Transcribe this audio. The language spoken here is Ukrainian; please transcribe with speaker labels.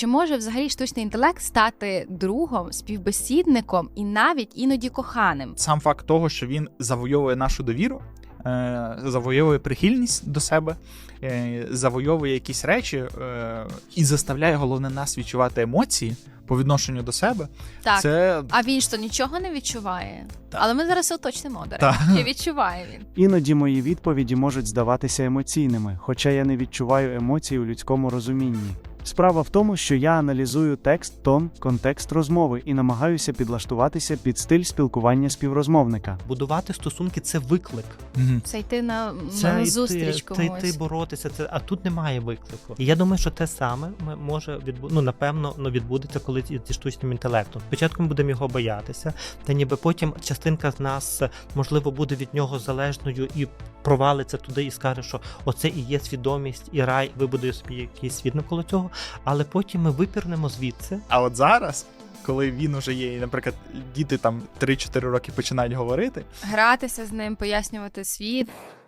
Speaker 1: Чи може взагалі штучний інтелект стати другом, співбесідником і навіть іноді коханим?
Speaker 2: Сам факт того, що він завойовує нашу довіру, завойовує прихильність до себе, завойовує якісь речі і заставляє, головне, нас відчувати емоції по відношенню до себе.
Speaker 1: Так,
Speaker 2: Це...
Speaker 1: а він ж то нічого не відчуває.
Speaker 2: Так.
Speaker 1: Але ми зараз уточнимо, до речі, чи відчуває він.
Speaker 3: Іноді мої відповіді можуть здаватися емоційними, хоча я не відчуваю емоцій у людському розумінні. Справа в тому, що я аналізую текст, тон, контекст розмови і намагаюся підлаштуватися під стиль спілкування співрозмовника.
Speaker 4: Будувати стосунки – це виклик.
Speaker 1: Це йти на
Speaker 4: Це
Speaker 1: зустріч
Speaker 4: йти,
Speaker 1: комусь.
Speaker 4: боротися, а тут немає виклику. І я думаю, що те саме може напевно відбудеться, коли зі штучним інтелектом. Спочатку ми будемо його боятися, та ніби потім частинка з нас, можливо, буде від нього залежною і провалиться туди і скаже, що оце і є свідомість, і рай, вибудує собі якийсь світ навколо цього, але потім ми випірнемо звідси.
Speaker 2: А от зараз, коли він уже є, і, наприклад, діти там 3-4 роки починають говорити,
Speaker 1: Гратися з ним, пояснювати світ.